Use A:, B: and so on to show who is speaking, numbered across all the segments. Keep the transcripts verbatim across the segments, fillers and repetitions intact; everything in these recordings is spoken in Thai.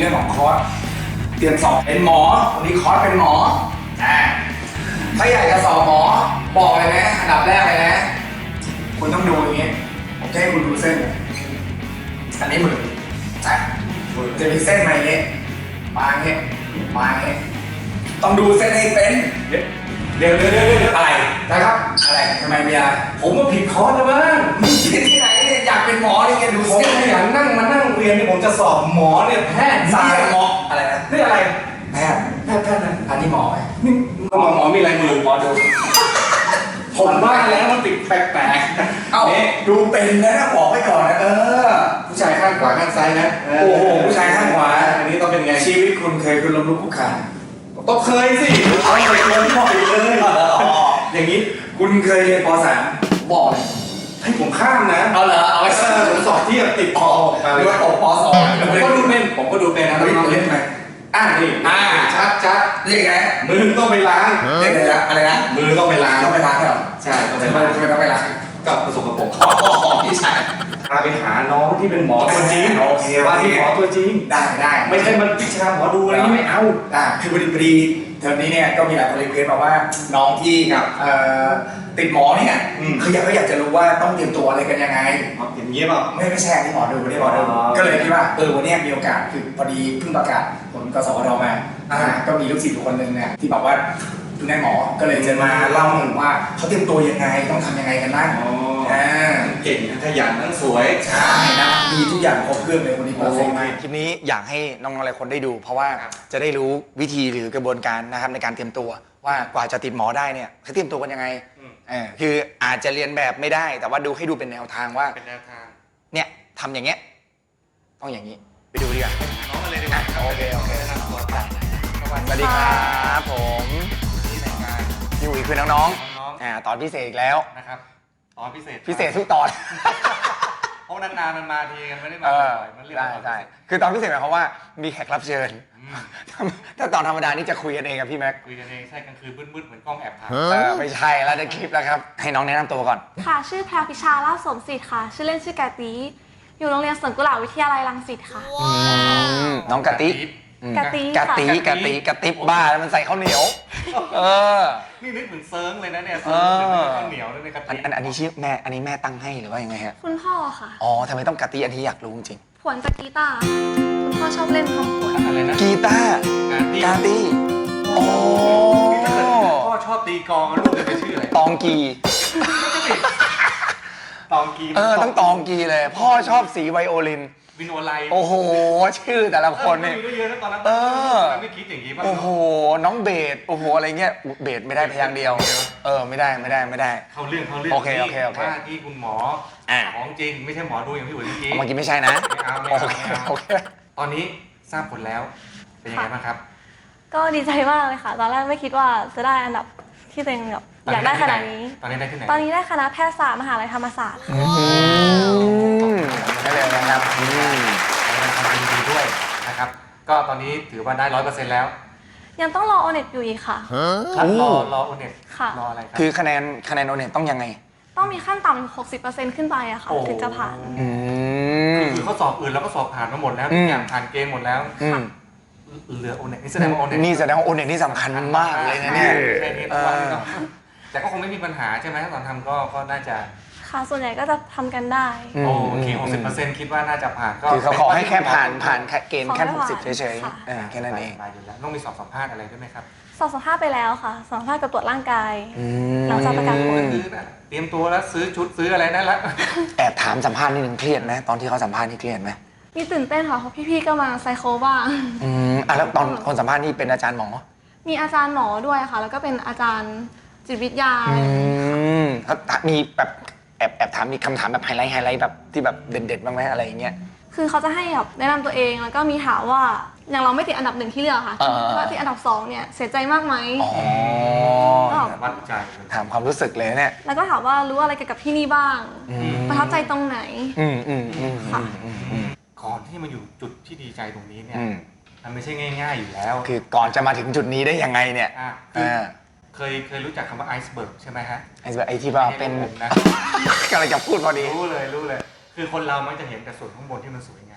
A: เรื่องของคอร์สเตรียมสอบเป็นหมอวันนี้คอร์สเป็นหมออ่าถ้าอยากจะสอบหมอบอกเลยนะอันดับแรกเลยนะคุณต้องดูอย่างนี้ผมจะให้คุณดูเส้นอันนี้มืออ่ะจะมีเส้นมาอย่างนี้มาอย่างนี้มาอย่างนี้ต้องดูเส้นให้เป็นเดี๋ยวเดี๋ยวเดี๋ยวเดี๋ยวอะไรนะครับอะไรทำไมมีอะไรผมก็ผิดคอร์สแล้วมั้งผิดที่ไหนเนี่ยอยากเป็นหมอนี่แกดู
B: ผม
A: เส้น
B: ขยันนั่งมานั่งเรียนนี่ผมจะสอบหมอเนี่ยแพทย์
A: สา
B: สายย
A: หมออะไรนะ
B: นี่อะไร
A: แพทย์
B: แพทย์แพทย์นะ
A: อันนี้หมอไหม
B: นี่หมอหมอมีอะไรมือหมอดูผมว่าแล้วมันติดแปลกๆ
A: เอ้า
B: นี่
A: ดูเป็นนะบอกไว้ก่อนนะเออ
B: ผู้ชายข้างขวาข้างซ้ายนะ
A: โอ้โหผู้ชายข้างขวา
B: อันนี้ต้องเป็นไง
A: ชีวิตคุณเคยคุณล้มลุกคลุกคลาน
B: ต้องเคยสิเอาไปลงพ่อไปเลย อย่างนี้
A: คุณเคยเรียนป .สาม บอกเลย
B: ให้ผมข้ามนะ
A: เอาเหรอเอาไว้
B: เออผมสอบเทียบติดคอออกมา
A: ห
B: เล
A: รื
B: ย
A: อว่าตกป .สอง
B: ผมก็ดูเป็นผมก็ดูเป็นนะ
A: เฮ้ย
B: น้องๆ
A: เล่
B: เล่
A: น
B: น
A: ไหม
B: อ่านี่
A: อ่า
B: ชัดชัด
A: เรียกไง
B: มือต้องไปล้าง
A: เรียกอะไรนะอะไรนะ
B: มือต้องไปล้าง
A: ต้องไปล้างเหรอ
B: ใช่ต้องไป
A: ทำไม
B: ล้าง
A: ทำไมต้องไปล้าง
B: กับประสบกับผม
A: อ๋อพี่ชาย
B: พาไปหาน้องที่เป็นหมอตัวจริง
A: โอเค
B: ว่าที่หมอตัวจริง
A: ได้ได้
B: ไม่ใช่มันวิชาหมอดูอะไรนี่ไม่เอา
A: อ่าคือพอดีพอดีเทอมนี้เนี่ยก็มีหลายคนรีเควสต์มาว่าน้องที่กับเอ่อติดหมอเนี่ย
B: อืม
A: เขาอยากเขาอยากจะรู้ว่าต้องเตรียมตัวอะไรกันยังไง
B: อย่างนี้เปล่า
A: ไม่ไม่ใช่อันนี้หมอดูไม่ได้หมอดู
B: อ๋อ
A: ก็เลยคิดว่าเออวันเนี้ยมีโอกาสคือพอดีเพิ่งประกาศผลกสวทมาอ่าก็มีลูกศิษย์อยู่คนหนึ่งเนี่ยที่บอกว่าคุณนายหมอก็เลยจะมาเล่าหนึ่งว่าเขาเตรียมตัวยังไงต้องทำยังไงกันบ้าง
B: อ๋อ
A: อ่า
B: เก่งทั้งขยันทั้งสวย
A: ใช่นะมีทุกอย่างครบเครื่องเลยวันนี้เพอร์เฟกต์มาก
C: คลิปนี้อยากให้น้องๆหลายคนได้ดู เพราะว่าจะได้รู้วิธีหรือกระบวนการนะครับในการเตรียมตัวว่ากว่าจะติดหมอได้เนี่ยเขาเตรียมตัวกันยังไง
B: อืม
C: เออคืออาจจะเรียนแบบไม่ได้ แต่ว่าดูให้ดูเป็นแนวทางว่า
B: เป็นแนวทาง
C: เนี่ยทำอย่างเงี้ยต้องอย่างนี้ไปดูดีกว่า
B: น้องมาเลยดีกว่า
C: โอเคโอเค
B: แนะนำตัวไป
C: สวัสดีครับผม
B: ที่รายการ
C: พี่อุ๋ยคือน้อง
B: น้อง
C: ๆอ่าตอนพิเศษอีกแล้ว
B: ๆนะครับตอนพิเศษ
C: พิเศษทุกตอน
B: เพราะนานๆมันมาทีกันไม่ได้มา
C: เออ
B: บ่อยๆมันเรียก
C: ใช่
B: ว่า
C: ใช่คือตอนพิเศษหมายความว่ามีแขกรับเชิญ
B: อืม
C: ถ้าตอนธรรมดานี่จะคุยกันเองกับพี่แม็ก
B: คุยกันเองใช่กลางคืนมืดๆเหมือนกล้องแอบถ่าย
C: เออไม่ใช่แล้วในคลิปแล้วครับให้น้องแนะนำตัวก่อน
D: ค่ะ ชื่อแพรวพิชาลาภสมศิษฐ์ค่ะ ชื่อเล่นชื่อกาตีอยู่โรงเรียนสวนกุหลาบวิทยาลัยรังสิตค่ะ
C: อืมน้องกะติอืม
D: กะติ
C: กะติ
D: ค่ะ
C: กะติกะติบบ้าแล้วมันใส่ข้าวเหนียว เออ
B: นี่นึกเหมือนเซิร์งเลยนะเนี่ย
C: เอ
B: เซิร์ง
C: อ
B: เหมือนข้าวเหนียวเลยในกะ
C: อัน
B: ทิ
C: อันอันนี้ชื่อแม่อันนี้แม่ตั้งให้หรือว่ายังไงฮะ
D: คุณพ่อค่ะ
C: อ๋อทำไมต้องกะติอันนี้อยากรู้จริง
D: ผวนจากกีตาร์คุณพ่อชอบเล่นคำผวน
B: อะไรนะ
C: กีตาร์
B: กะทิ
C: กาติโอ้
B: ถ้าเกิดพ่อชอบตีกลองลูกจะไปชื่ออะไร
C: ตองกี
B: ตองกี
C: เออต้องตองกีเลย พ่อชอบสีไวโอลิน
B: วินโอไล
C: โอ้โห ชื่อแต่ละคนเนี่ย
B: มีก็เยอะนะตอนนั้น
C: เออ
B: ตอนนั้นไม่คิดอย่างนี้ป่ะ
C: โอ้โห น้องเบสโอ้โห อะไรเงี้ยอุ๊ยเบสไม่ได้พยางค์เดียว เออ ไม่ได้ ไม่ได้ ไม่ได้
B: เขาเรื่องเขาเรื่อง
C: โอเคโอเคโอเค
B: ว่าที่คุณหมอ
C: อ่ะ
B: ของจริงไม่ใช่หมอดูอย่างพี่อุ๋ยเมื่อกี้
C: เมื่อกี้ไม่ใช่นะ
B: ไม่เอาไม่
C: โอ
B: เอา
C: เค
B: ไม่เอา
C: โอเค
B: ตอนนี้ทราบผลแล้ว เป็นยังไงบ้างครับ
D: ก็ดีใจมากเลยค่ะ ตอนแรกไม่คิดว่าจะได้อันดับที่ตัวเองแบบอยากได้ขนาดนี้
B: ตอนนี้ได้ที่ไหน
D: ตอนนี้ได้คณะแพทยศาสตร์มหาลัยธรรมศาสตร์ค่ะ
C: อืมได้เลยนะครับอืม
B: แสดงความยินดีด้วยนะครับ ก็ตอนนี้ถือว่าได้ร้อยเปอร์เซ็นต์แล้ว
D: ยังต้องรอโอเน็ตอยู่อีกค่ะ
B: ครับรอรอโอเน็ต
D: ค่ะ
B: รออะไรครับ
C: คือคะแนนคะแนนโอเน็ตต้องยังไง
D: ต้องมีขั้นต่ำหกสิบเปอร์เซ็นต์ขึ้นไปอะค่ะ
B: โอ้
D: ถึงจะผ่าน
C: อืม
B: คือเขาสอบอื่นแล้วก็สอบผ่านมาหมดแล้ว
C: อื
B: ทุ
C: ม
B: กอย่างผ่านเกณฑ์หมดแล้ว
C: อืม
B: เหลือโอเน็ตนี่แสดงว่าโอเน็ต
C: นี่แสดงว่าโอเน็ตนี่สำคัญมากเลยนะเนี่ย
B: แค่นี้
C: เอ
B: ทุกวัน
C: อ
B: นี้เนอะแต่ก็คงไม่มีปัญหาใช่ไหมตอนทำก็ก็น่าจะ
D: ค่ะ ส่วนใหญ่ก็จะทำกันได้
C: อืม
B: โอเคหกสิบเปอร์เซ็นต์คิดว่าน่าจะผ่านก็
C: คือเขาขอให้แค่ผ่านผ่านเกณฑ์แค่
D: ขอให้
C: หกสิบ
D: ผ่าน
C: เฉย
D: ค่ะ
C: ๆเออแค่นั้นเอง
B: ไปอยู่แล้วต้องมีสอบสัมภาษณ์อะไรด้วยไหมครับ
D: สอบสัมภาษณ์ไปแล้วค่ะสอบสัมภาษณ์กับตรวจร่างกาย
C: อืม
D: หลังจากประกาศผล
B: ซื้อนะเตรียมตัวแล้วซื้อชุดซื้ออะไรนั่นละ
C: แอบถามสัมภาษณ์นิดนึงเครียดไหมตอนที่เขาสัมภาษณ์นี่เครียดไหม
D: มีตื่นเต้นค่ะเพราะพี่ๆก็มาไซโคบ้าง
C: อืมอ่ะแล้วตอนคนสัมภาษณ์นี่เป็นอาจารย์หมอ
D: มีอาจารย์หมอด้วยค่ะ แล้วก็เป็นอาจารย์จิตวิทยา
C: อืมเขามีแบบแอบแอบถามมีคำถามแบบไฮไลท์ไฮไลท์แบบที่แบบเด่นๆบ้างไหมอะไรอย่างเงี้ย
D: คือเขาจะให้แบบแนะนำตัวเองแล้วก็มีถามว่าอย่างเราไม่ติดอันดับหนึ่งที่เลือกค่ะ
C: อ่า
D: ว่าติดอันดับสองเนี่ยเสียใจมากไหม
C: อ๋อ
B: วัดใจ
C: ถามความรู้สึกเลยเนี่ย
D: แล้วก็ถามว่ารู้อะไรเกี่ยวกับที่นี่บ้าง
C: อืม
D: ประทับใจตรงไหน
C: อืมอืมอืมอืมอืมอืม
B: ก่อนที่มาอยู่จุดที่ดีใจตรงนี้เนี่ย
C: อืม
B: มันไม่ใช่ง่ายๆอยู่แล้ว
C: คือก่อนจะมาถึงจุดนี้ได้ยังไงเนี่ย
B: อ่ะคือ
C: อ่า
B: เคยเคยรู้จักคำว่าไอซ์เบิร์กใช่ไหมฮะ
C: ไอ้แบบไอ้ที่ว่าเป็น
B: ไม่ใช่ผมนะ
C: กำลังจะพูดพอดี
B: รู้เลยรู้เลย คือคนเรามักจะเห็นแต่ส่วนข้างบนที่มันสวยงาม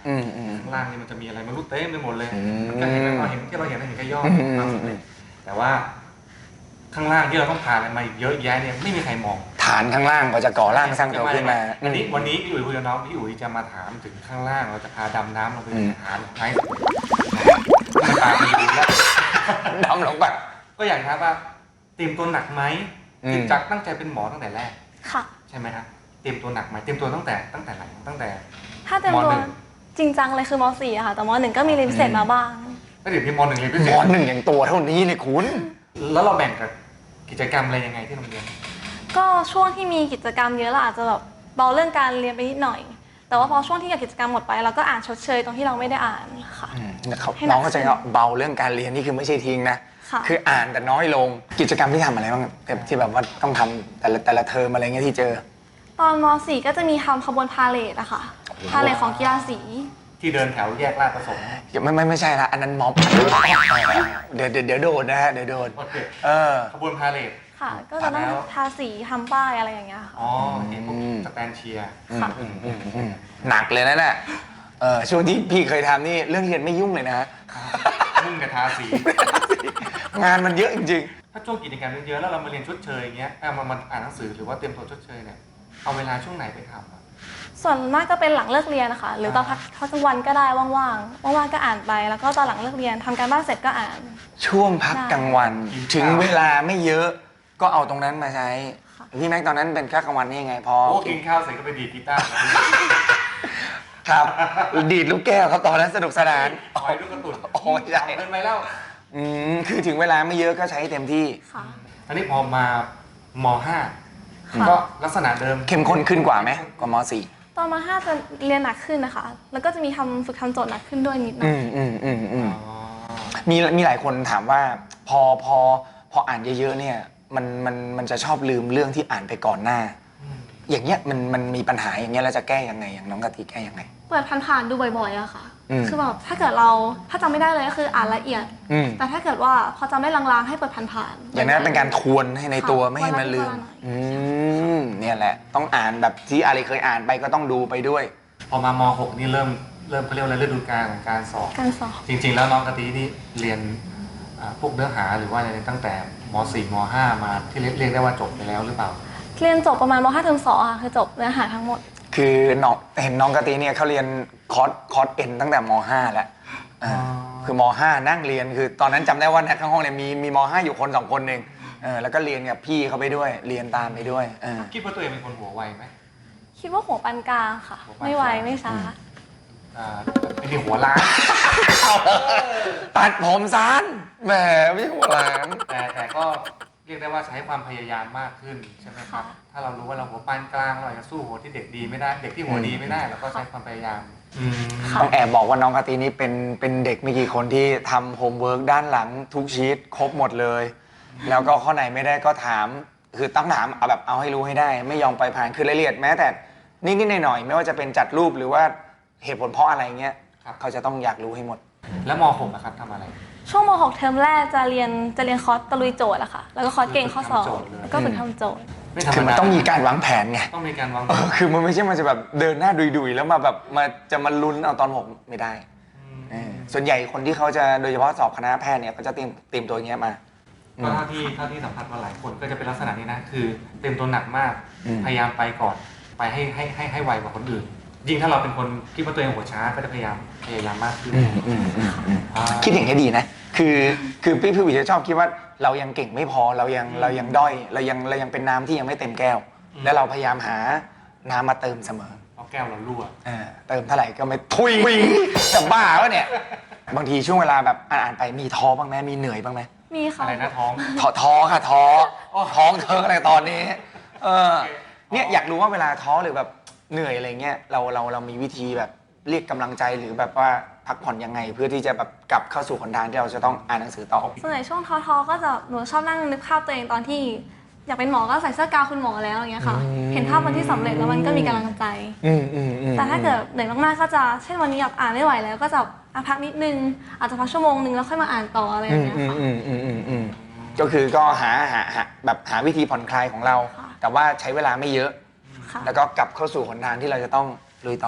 C: อืมอืม
B: ข้างล่างนี่มันจะมีอะไรไม่รู้เต็มไปหมดเลย
C: อืม
B: มันก็เห็นแล้วก็เห็นที่เราเห็นเห็นแค่ยอด
C: อืม
B: ความสำเร็จแต่ว่าข้างล่างที่เราต้องผ่านอะไรมาอีกเยอะแยะเนี่ยไม่มีใครมอง
C: ฐานข้างล่างก็จะก่อร่างสร้างตัวขึ้นมา
B: วันนี้วันนี้พี่อุ๋ยคุยกับน้องพี่อุ๋ยจะมาถามถึงข้างล่างเราจะพาดำน้ำลงไปหาไม้มันตาดีแล้ว
C: ดำลงไป
B: ก็อย่างครับว่าเตรียมตัวหนักไหม
C: อืม
B: ติดจากตั้งใจเป็นหมอตั้งแต่แรก
D: ค่ะ
B: ใช่ไหมครับเตรียมตัวหนักไหมเตรียมตัวตั้งแต่ตั้งแต่ไหนตั้งแต่
D: ถ้าเต็ม
B: ม
D: ตัว
B: หนึ่ง
D: จริงจังเลยคือมสี่อะค่ะ แต่มหนึ่งก็มีเรียนพิเศษมาบ้าง
B: แล้วเดี๋ยวพี่มหนึ่งเรียนพิเศ
C: ม
B: ษ
C: อหนึ่งอย่างตัวเท่านี้เลยคุณ
B: แล้วเราแบ่งกับกิจกรรมอะไรยังไงที่โรงเรียน
D: ก็ช่วงที่มีกิจกรรมเยอะเราอาจจะแบบเบาเรื่องการเรียนไปนิดหน่อย แต่ว่าพอช่วงที่กิจกรรมหมดไปเราก็อ่านชดเชยตรงที่เราไม่ได้อ่านค่ะ
C: อืมนะครับ
D: ให้หนัก
C: น้องก็จะเบาเรื่องการเรียนนี่คือไม่ใช่ทิ้งนะ
D: ค่ะ
C: คืออ่านแต่น้อยลงกิจกรรมที่ทำอะไรบ้างแบบที่แบบว่าต้องทำแต่ละแต่ละเทอมอะไรเงี้ยที่เจอ
D: ตอนมสี่ก็จะมีทำขบวนพาเหรดอะค่ะ พาเหรดของกีฬาสี
B: ที่เดินแถวแยกลาดประสงค์
C: ไม่ไม่ไม่ใช่ละอันนั้นม็อบเดี๋ยวเดี๋ยวเดี๋ยวโดนนะฮะเดี๋ยวโดน
B: โอเค
C: เออ
B: ขบวนพาเหรด
D: ค่ะ ก็จะต้อง
B: แล้ว
D: ทาสีทำป้ายอะไรอย่างเงี้ยค่ะ
B: อ๋อเห็นพวก
C: อืม
B: สแตนเชียร์
D: ค่ะ
C: อืมอืมอืมหนักเลยนะน่ะเออช่วงที่พี่เคยทำนี่เรื่องเรียนไม่ยุ่งเลยนะฮะ
B: มุ่งกับทาสี
C: งานมันเยอะจริง
B: ถ้าช่วงกิจกรรมเยอะๆแล้วเรามาเรียนชดเชยอย่างเงี้ยเอามามาอ่านหนังสือหรือว่าเตรียมตัวชดเชยเนี่ยเอาเวลาช่วงไหนไปทำอะ
D: ส่วนมากก็เป็นหลังเลิกเรียนนะคะ หรือตอนพักพักกลางวันก็ได้ว่างๆ ว่างๆก็อ่านไป แล้วก็ตอนหลังเลิกเรียนทำการบ้านเสร็จก็อ่าน
C: ๆ ช่วงพักกลางวัน ถึงเวลาไม่เยอะก็เอาตรงนั้นมาใช้
D: ค่ะ
C: พี่แม็กตอนนั้นเป็นพักกลางวันนี่ยังไงพอ
B: โอ้กินข้าวเสร็จก็ไปดีดกีตาร์
C: ครับดีดลูกแก้วครับตอนนั้นสนุกสนาน
B: คอยลูกกระตุน
C: โอ้ยใช่
B: เดินไปแล้ว
C: อืมคือถึงเวลาไม่เยอะก็ใช้เต็มที่
D: ค่ะ
B: อันนี้พอมามห้า
D: ค่ะ
B: ก็ลักษณะเดิม
C: เข้มข้นขึ้นกว่าไหมกว่ามสี่
D: ตอนมห้าจะเรียนหนักขึ้นนะคะ แล้วก็จะมีทำฝึกทำโจทย์หนักขึ้นด้วยนิดหน่
C: อื
D: อย
C: มอืมอืมอืม
B: อ๋อ
C: มีมีหลายคนถามว่าพอพอพออ่านเยอะๆเนี่ยมันมันมันจะชอบลืมเรื่องที่อ่านไปก่อนหน้า
B: อืม
C: อย่างเงี้ยมันมันมีปัญหาอย่างเงี้ยเราจะแก้ยังไงอย่างน้องกะทิแก้ยังไง
D: เปิดผ่านๆดูบ่อยๆอะค่ะ
C: อืม
D: คือแบบถ้าเกิดเราถ้าจำไม่ได้เลยก็คืออ่านละเอียด
C: อืม
D: แต่ถ้าเกิดว่าพอจำได้ลางๆให้เปิดผ่านๆ
C: อย่างนั้นเป็นการทวนให้ในตัว
D: ค่ะ
C: ไม่ให้มันลืม
D: วันละนิดวันละหน่อย
C: อืมเนี่ยแหละ ต้องอ่านแบบที่อะไรเคยอ่านไปก็ต้องดูไปด้วย
B: พอมามหกนี่เริ่มเริ่มเขาเรียกว่าอะไรฤดูกาลของการสอบ
D: การสอบ
B: จริง ๆ แล้วน้องกะทินี่เรียนอ่าพวกเนื้อหาหรือว่าอะไรตั้งแต่มสี่มห้ามาที่เรียกเรียกได้ว่าจบไปแล้วหรือเปล่า
D: เรียนจบประมาณมห้าเทอมสองค่ะคือจบเนื้อหาทั้งหมด
C: คือน้องเห็นน้องกะทิเนี่ยเขาเรียนคอร์สคอร์สเอ็นตั้งแต่มห้าแล้วอ่า
B: อ๋อ
C: คือมห้านั่งเรียนคือตอนนั้นจำได้ว่าในข้างห้องเนี่ยมีมีมห้าอยู่คนสองคนเองเออแล้วก็เรียนกับพี่เขาไปด้วยเรียนตามไปด้วยเออ
B: คิดว่าตัวเองเป็นคนหัวไวไหม
D: คิดว่าหัวปานกลางค่ะ
B: หัวปานกลาง
D: ไม่ไวไม่ช้า
B: อ่าเป็นที่หัวล้าน
C: ตัดผมสั้นแหมไม่ใช่หัวหลาน
B: แต่แต่ก็เรียกได้ว่าใช้ความพยายามมากขึ้นใช่ไหมครับ
D: ค่ะ
B: ถ้าเรารู้ว่าเราหัวปานกลางเราอาจจะสู้หัวที่เด็กดีไม่ได้ เด็กที่หัวดีไม่ได้เราก็ใช้ความพยายามอืม
D: ค่ะ
C: ต้องแอบบอกว่าน้องกะทินี่เป็นเป็นเด็กไม่กี่คนที่ทำโฮมเวิร์กด้านหลังทุกชีตครบหมดเลย แล้วก็ข้อไหนไม่ได้ก็ถาม คือต้องถามเอาแบบเอาให้รู้ให้ได้ ไม่ยอมไปผ่านคือรายละเอียดแม้แต่นิดๆหน่อยๆไม่ว่าจะเป็นจัดรูปหรือว่าเหตุผลเพราะอะไรเงี้ย
B: ครับ
C: เขาจะต้องอยากรู้ให้หมด
B: แล้วมหกนะครับทำอะไร
D: ช่วงมหกเทอมแรกจะเรียนจะเรียนคอร์สตะลุยโจทย์อะค่ะ แล้วก็คอร์สเก่งข้อสอบ
B: ฝึกทำโจทย์เลย
D: แล้วก็ฝึกทำโจทย์
B: ไม่ธรรม
C: คือมัน
B: ดา
C: ต้องมีการวางแผนไง
B: ต้องมีการวาง
C: เออคือมันไม่ใช่มันจะแบบเดินหน้าดุยๆแล้วมาแบบมาจะมาลุ้นเอาตอนหกไม่ได้
B: ม
C: เออส่วนใหญ่คนที่เขาจะโดยเฉพาะสอบคณะแพทย์เนี่ยก็จะเตรียมเตรียมตัวอย่างเงี้ยมา
B: ก็เท่าที่เท่าที่สัมผัสมาหลายคนก็จะเป็นลักษณะนี้นะคือเต็มตัวหนักมาก
C: อืม
B: พยายามไปก่อนไปให้ให้ให้ให้ไวกว่าคนอื่น ยิ่งถ้าเราเป็นคนคิดว่าตัวเองหัวช้าก็จะพยายามพยายามมากขึ้น
C: อืมอืมอืมอืม
B: อ่า
C: คิดอย่างนี้ยดีนะ คือคือพี่พี่วิจะชอบคิดว่าเรายังเก่งไม่พอเรายังเรายังด้อยเรายังเรายังเป็นน้ำที่ยังไม่เต็มแก้ว แล้วเราพยายามหาน้ำมาเติมเสมอ
B: เอาแก้วเรารั่ว
C: เออเติมเท่าไหร่ก็ไม่ทุยจะบ้าวะเนี่ย บางทีช่วงเวลาแบบอ่านๆไปมีท้อบ้างไหมมีเหนื่อยบ้างไหม
D: มีค่ะ
B: อะไรนะท้อง
C: ท้อท้อค่ะท้อท้องเธออะไรตอนนี้ เออเนี่ยอยากรู้ว่าเวลาท้อหรือแบบเหนื่อยอะไรเงี้ยเราเราเรามีวิธีแบบเรียกกำลังใจหรือแบบว่าพักผ่อนยังไง เพื่อที่จะแบบกลับเข้าสู่หนทางที่เราจะต้องอ่านหนังสือต่อ
D: ส่วนใหญ่ช่วงท้อๆก็จะหนูชอบนั่งนึกภาพตัวเองตอนที่ อยากเป็นหมอก็ใส่เสื้อกาวคุณหมอแล้วอย่างเงี้ยค่ะ
C: อืม
D: เห็นภาพวันที่สำเร็จแล้วมันก็มีกำลังใจ
C: อืมอืมอืม
D: แต่ถ้าเกิดเหนื่อยมากๆก็จะเช่นวันนี้แบบอ่านไม่ไหวแล้วก็จะอ่ะพักนิดนึงอาจจะพักชั่วโมงนึงแล้วค่อยมาอ่านต่ออะไรอ
C: อื
D: ย่าง
C: ม
D: เงี้ย
C: อืม
D: ค่ะ
C: อืมอืมอืมอืมก็คือก็หาหาหาแบบหาวิธีผ่อนคลายของเรา
D: ค่ะ
C: แต่ว่าใช้เวลาไม่เยอะ
D: ค่ะ
C: แล้วก็กลับเข้าสู่หนทางที่เราจะต้องลุยต่อ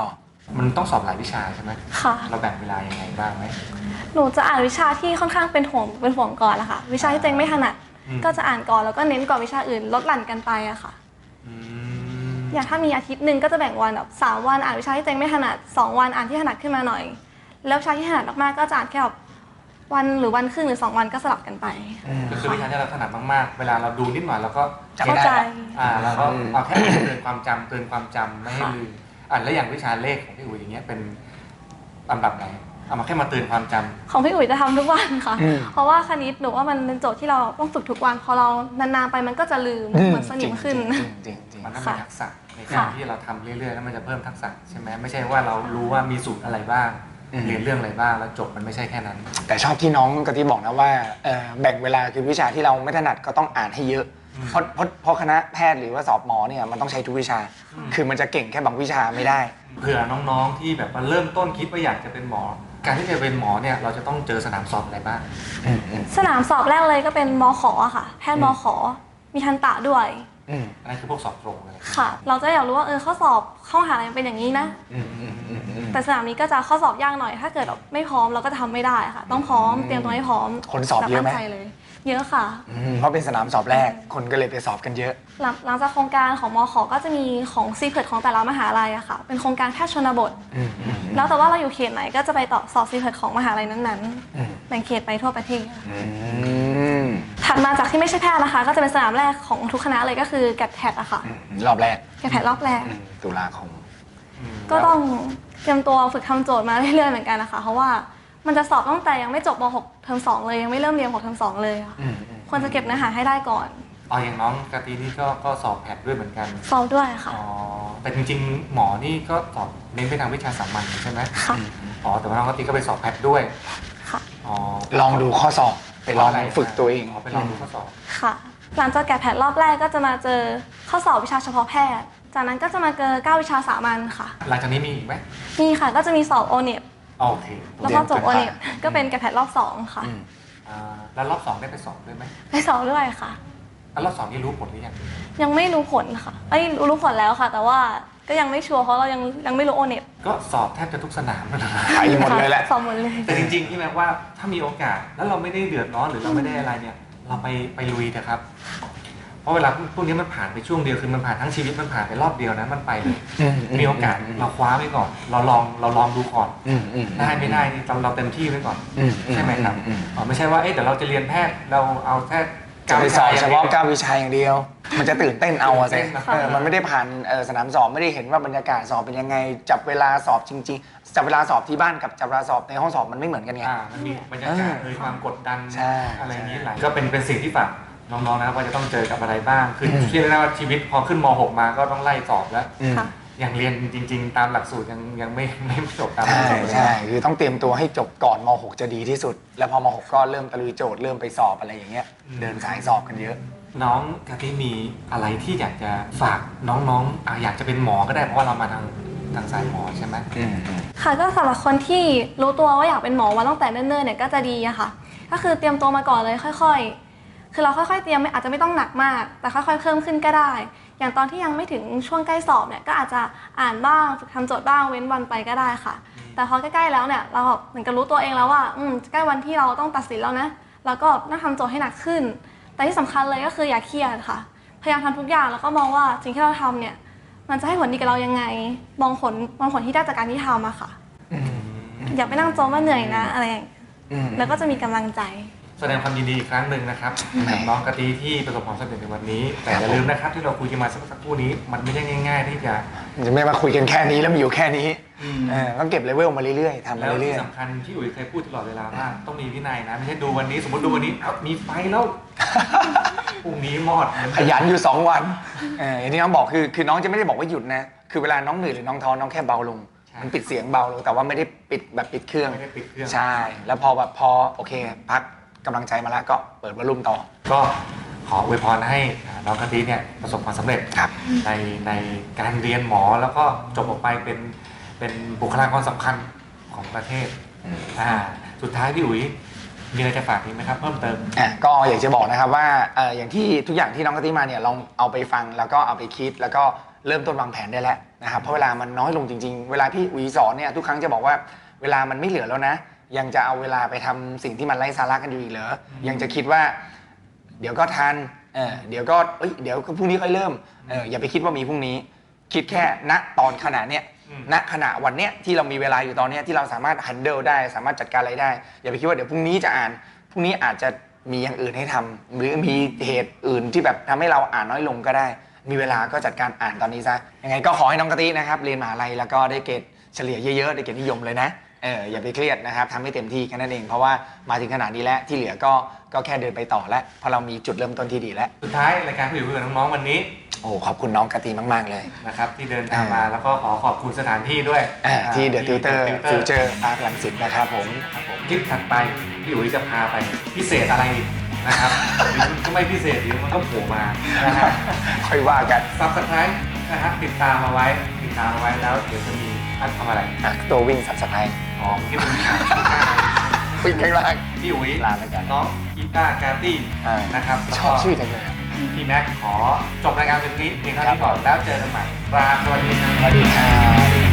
B: มันต้องสอบหลายวิชาใช่ไหม
D: ค่ะ
B: เราแบ่งเวลายังไงบ้างไหม
D: หนูจะอ่านวิชาที่ค่อนข้างเป็นห่วงเป็นห่วงก่อนละค่ะวิชาที่เจงไม่ถนัด
B: อืม
D: ก็จะอ่านก่อนแล้วก็เน้นก่อนวิชาอื่นลดหลั่นกันไปอะค่ะ
B: อืม
D: อย่างถ้ามีอาทิตย์หนึ่งก็จะแบ่งวันแบบสามวันอ่านวิชาที่เจงไม่ถนัดสองวันอ่านที่ถนัดขึ้นมาหน่อย แล้ววิชาที่ถนัดมากๆก็จะอ่านแค่แบบวันหรือวันครึ่งหรือสองวันก็สลับกันไป
B: ก็คือวิชาที่เราถนัดมากๆ เวลาเราดูนิดหน่อยเราก็
C: จำไม่
D: เข้า
C: ได้
D: ใจ
B: อ่าเราก็เอาแค่เตือนความจำเตือนความจำไม่ให้ลืมอ่าแล้วอย่างวิชาเลขของพี่อุ๋ยอย่างเงี้ยเป็นลำดับไหนเอามาแค่มาเตือนความจำ
D: ของพี่อุ๋ยจะทำทุกวันค่ะ
C: อืม
D: เพราะว่าคณิตหนูว่ามันเป็นโจทย์ที่เราต้องฝึกทุกวัน พอเรานานๆไปมันก็จะลืม
C: อื
D: เหมือนสนิมขึ้น
C: จริงจริงจริง
B: มันต้องมี
D: ค่ะ
B: ทักษะในการ
D: ค่ะ
B: ที่เราทำเรื่อยๆแล้วมันจะเพิ่มทักษะใช่ไหมไม่ใช่ว่าเรารู้ว่ามีสูตรอะไรบ้าง
C: อืม
B: เรียนเรื่องอะไรบ้างแล้วจบมันไม่ใช่แค่นั้น
C: แต่ชอบที่น้องกะทิบอกนะว่าเอ่อแบ่งเวลาคือวิชาที่เราไม่ถนัดก็ต้องอ่านให้เยอะ
B: อืม
C: เพราะเพราะเพราะคณะแพทย์หรือว่าสอบหมอเนี่ยมันต้องใช้ทุกวิชา คือมันจะเก่งแค่บางวิชาไม่ได้
B: เผื่อน้องๆที่แบบมาเริ่มต้นคิดว่าอยากจะเป็นหมอ การที่จะเป็นหมอเนี่ยเราจะต้องเจอสนามสอบอะไรบ้าง
C: อืมอืม
D: สนามสอบแรกเลยก็เป็นมขอะค่ะ แพทย์มขมีทันตะด้วย
C: อืม
B: อันนั้นคือพวกสอบตรงเลย
D: ค่ะ เราจะอยากรู้ว่าเออข้อสอบเข้ามหาลัยเป็นอย่างนี้นะ
C: อืมอืมอืมอืม
D: แต่สนามนี้ก็จะข้อสอบยากหน่อย ถ้าเกิดแบบไม่พร้อมเราก็จะทำไม่ได้ค่ะ ต้องพร้อมเตรียมตัวให้พร้อม
C: คนสอบเยอะไหม
D: แบบตั้งใจเลย เยอะค่ะ
C: อืมเพราะเป็นสนามสอบแรกคนก็เลยไปสอบกันเยอะ
D: หลังหลังจากโครงการของมขก็จะมีของซีเพิร์ของแต่ละมหาลัยอะค่ะ เป็นโครงการแพทย์ชนบท
C: อืมอืม
D: แล้วแต่ว่าเราอยู่เขตไหนก็จะไปต่อสอบซีเพิร์ของมหาลัยนั้น
C: อืม
D: ๆแบ่งเขตไปทั่วประเทศ
C: อืม
D: ถัดมาจากที่ไม่ใช่แพทย์นะคะ ก็จะเป็นสนามแรกของทุกคณะเลยก็คือแกดแพทอะค่ะ
C: อืมรอบแรก
D: แกดแพทรอบแรก
C: อืมตุลาคม
D: ก็ต้องเตรียมตัวฝึกทำโจทย์มาเรื่อยๆเหมือนกันนะคะ เพราะว่ามันจะสอบตั้งแต่ยังไม่จบม .หก เทอมสองเลยยังไม่เริ่มเรียนหกเทอมสองเลยค่ะ
C: อืมอืม
D: ควรจะเก็บเนื้อหาให้ได้ก่อน
B: อ๋ออย่างน้องกาตีนี่ก็ก็สอบแพทด้วยเหมือนกัน
D: สอบด้วยค่ะ
B: อ๋อแต่จริงๆหมอนี่ก็สอบเน้นไปทางวิชาสามัญใช่ไหม
D: ค่ะ
B: อ๋อแต่ว่าน้องกาตีก็ไปสอบแพทด้วย
D: ค่ะ
B: อ๋อ
C: ลองดูข้อสอบไปลองฝึกตัวเอง
B: อ๋อไปลองดูข้อสอบ
D: ค่ะ หลังจากแกดแพทรอบแรกก็จะมาเจอข้อสอบวิชาเฉพาะแพทย์ จากนั้นก็จะมาเจอเก้าวิชาสามัญค่ะ
B: หลังจากนี้มีอีกไหม
D: มีค่ะก็จะมีสอบโอเน็ต
B: โอเค
D: แล้วพอจบโอเน็ตก็เป็นแกดแพทรอบสองค่ะ
C: อืม
B: อ่าแล้วรอบสองได้ไปสอบด้วยไหม
D: ไปสอบด้วยค่ะ
B: แล้วรอบสองนี่รู้ผลหรือยัง
D: ยังไม่รู้ผลค่ะไอ้ยรู้รู้ผลแล้วค่ะ แต่ว่าก็ยังไม่ชัวร์เพราะเรายังยังไม่รู้โอเน็ต
B: ก็สอบแทบจะทุกสนามแล้วนะ
C: ไปหมดเลยแหละ
D: สอบหมดเลย
B: แต่จริงๆที่แม้ว่าถ้ามีโอกาสแล้วเราไม่ได้เดือดร้อนหรือเราไม่ได้อะไรเนี่ย เราไปไปลุยเถอะครับ เพราะเวลาพวกนี้มันผ่านไปช่วงเดียวคือมันผ่านทั้งชีวิตมันผ่านไปรอบเดียวนะมันไปเลย
C: อืม
B: มีโอกาสเราคว้าไว้ก่อน เราลองเราลองดูก่อน
C: อืมอืม
B: ได้ไม่ได้นี่เราเราเต็มที่ไว้ก่อน
C: อืม
B: ใช่ไหมครับ
C: อืม
B: อ๋อไม่ใช่ว่าเอ๊ะเดี๋ยวเราจะเรียนแพทย์เราเอาแค่
C: จะไปสอบเฉพาะ
B: ก้า
C: เก้าวิชาอย่างเดียว มันจะตื่นเต้นเอาอะสิ
B: ตื่นเต้นนะ
C: เออมันไม่ได้ผ่านเอ่อสนามสอบไม่ได้เห็นว่าบรรยากาศสอบเป็นยังไง จับเวลาสอบจริงๆ จับเวลาสอบที่บ้านกับจับเวลาสอบในห้องสอบมันไม่เหมือนกันไง
B: อ่ามันมีบรรยากาศ
C: เออ
B: เลยความกดดัน
C: ใช่
B: อะไรอย่างนี้หลายก็เป็นเป็นสิ่งที่ฝากน้องๆนะครับว่าจะต้องเจอกับอะไรบ้าง คืออ
C: ม
B: เชื่อได้ว่าชีวิตพอขึ้นม .หก มาก็ต้องไล่สอบแล้ว
C: อืม
D: ค่ะ
B: อย่างเรียนจริง ๆ ตามหลักสูตรยังยังไม่ไม่จบตามหลั
C: ใช่
B: กสูตร
C: ใช่คือต้องเตรียมตัวให้จบก่อนม .หก จะดีที่สุด แล้วพอม .หก ก็เริ่มตะลุยโจทย์เริ่มไปสอบอะไรอย่างเงี้ย เดินสายสอบกันเยอะ
B: น้องกะทิมีอะไรที่อยากจะฝากน้องๆอ่ะอยากจะเป็นหมอก็ได้เพราะว่าเรามาทางทางสายหมอใช่ไหม
C: อืมอืม
D: ค่ะก็สำหรับคนที่รู้ตัวว่าอยากเป็นหมอมาตั้งแต่เนิ่นๆเนี่ยก็จะดีอะค่ะ ก็คือเตรียมตัวมาก่อนเลยค่อยๆ คือเราค่อยๆเตรียมไม่อาจจะไม่ต้องหนักมาก แต่ค่อยๆเพิ่มขึ้นก็ได้ อย่างตอนที่ยังไม่ถึงช่วงใกล้สอบเนี่ยก็อาจจะอ่านบ้างฝึกทำโจทย์บ้างเว้นวันไปก็ได้ค่ะ แต่พอใกล้ๆแล้วเนี่ยเราแบบเหมือนกับรู้ตัวเองแล้วว่าอืมใกล้วันที่เราต้องตัดสินแล้วนะเราก็นั่งทำโจทย์ให้หนักขึ้น แต่ที่สำคัญเลยก็คืออย่าเครียดค่ะ พยายามทำทุกอย่างแล้วก็มองว่าสิ่งที่เราทำเนี่ยมันจะให้ผลดีกับเรายังไง มองผลมองผลที่ได้จากการที่ทำอะค่ะ อย่าไปนั่งโจมว่าเหนื่อยนะอะไรอย่างเงี้ย
C: อืม
D: แล้วก็จะมีกำลังใจ
B: แสดงความยินดีอีกครั้งหนึ่งนะครับ
C: แหม
B: กับน้องกะทิที่ประสบความสำเร็จในวันนี้ แต่อย่าลืมนะครับที่เราคุยกันมาสักสักครู่นี้มันไม่ใช่ง่าย ๆ ที่จะ
C: จะไม่มาคุยกันแค่นี้แล้วมีอยู่แค่นี้
B: อืม
C: เออต้องเก็บเลเวลมาเรื่อยๆทำมา
B: แล้ว
C: เรื่
B: ที่
C: อย
B: สำคัญที่อุ๋ยเคยพูดตลอดเวลาว่าต้องมีวินัยนะไม่ใช่ดูวันนี้สมมติดูวันนี้เอามีไฟแล้วพรุ่งนี้มอดเหมือน
C: ๆ ขยันอยู่สองวันเอออย่างที่น้องบอกคือคือน้องจะไม่ได้บอกว่าหยุดนะ คือเวลาน้องเหนื่อยหรือน้องท้อน้องแค่เบาลง มันปิดเสียงเบาลงแต่ว่าไม่ได้ปิดแบบปิดเครื่อง
B: ไม่ได้ปิดเครื่อง
C: ใช่ แล้วพอแบบพอโอเค พักกำลังใจมาแล้วก็เปิดวอลลุ่มต่อ
B: ก็ขออวยพรให้น้องกะทิเนี่ยประสบความสำเร็จ
C: ครับ
B: ในในการเรียนหมอแล้วก็จบออกไปเป็นเป็นบุคลากรสำคัญของประเทศ
C: อืม
B: อ่าสุดท้ายพี่อุ๋ยมีอะไรจะฝากอีกไหมครับเพิ่มเติม
C: อ่ะก็อยากจะบอกนะครับว่าเอ่ออย่างที่ทุกอย่างที่น้องกะทิมาเนี่ยลองเอาไปฟังแล้วก็เอาไปคิดแล้วก็เริ่มต้นวางแผนได้แล้วนะครับเพราะเวลามันน้อยลงจริงๆเวลาพี่อุ๋ยสอนเนี่ยทุกครั้งจะบอกว่าเวลามันไม่เหลือแล้วนะยังจะเอาเวลาไปทำสิ่งที่มันไร้สาระกันอยู่อีกเหรอยังจะคิดว่าเดี๋ยวก็ทันเออเดี๋ยวก็เอ้ยเดี๋ยวพรุ่งนี้ค่อยเริ่มเอออย่าไปคิดว่ามีพรุ่งนี้คิดแค่ณตอนขณะเนี้ยณขณะวันเนี้ยที่เรามีเวลาอยู่ตอนเนี้ยที่เราสามารถ handle ได้สามารถจัดการอะไรได้อย่าไปคิดว่าเดี๋ยวพรุ่งนี้จะอ่านพรุ่งนี้อาจจะมีอย่างอื่นให้ทำหรือมีเหตุอื่นที่แบบทำให้เราอ่านน้อยลงก็ได้มีเวลาก็จัดการอ่านตอนนี้ซะยังไงก็ขอให้น้องกะทินะครับเรียนมหาลัยแล้วก็ได้เกรดเฉลี่ยเยอะๆได้เกรดนิยมเลยนะเอออย่าไปเครียดนะครับทำให้เต็มที่แค่นั้นเองเพราะว่ามาถึงขนาดนี้แล้วที่เหลือก็ก็แค่เดินไปต่อแล้วเพราะเรามีจุดเริ่มต้นที่ดีแล้ว
B: สุดท้ายรายการผู้อยู่คุยกับน้องๆวันนี้
C: โอ้ขอบคุณน้องกะทิมากๆเลย
B: นะครับที่เดินทางมาแล้วก็ขอขอบคุณสถานที่ด้วย
C: อ่าที่เดอะติวเตอร์ฟิวเจอร์อาร์ตลังสิตนะครับผม
B: ครับผมคลิปถัดไปพี่อุ๋ยจะพาไปพิเศษอะไรอีกนะครับหรือมันก็ไม่พิเศษหรือมันก็โผล่มานะครับ
C: ค่อยว่ากัน
B: ซับสไครต์นะครับติดตามมาไว้ติดตามมาไว้แล้วเดี๋ยวจะมีอันทำอะไร
C: อ่ะตัววิ่งสับสไคร
B: อ๋อที่เป็นข่าว
C: วิ่งข้างล่าง
B: พี่อุ๋ย
C: ลาแล้วกัน
B: น้องกีตาร์การ์ตี้
C: อ่า
B: นะครับ
C: ชอบชื่อจังเลย
B: พี่แม็กขอจบรายการเป็นนี้เพียงเท่านี้ก่อนแล้วเจอกันใหม่ลาสวัสดีครับ
C: สวัสดีครับ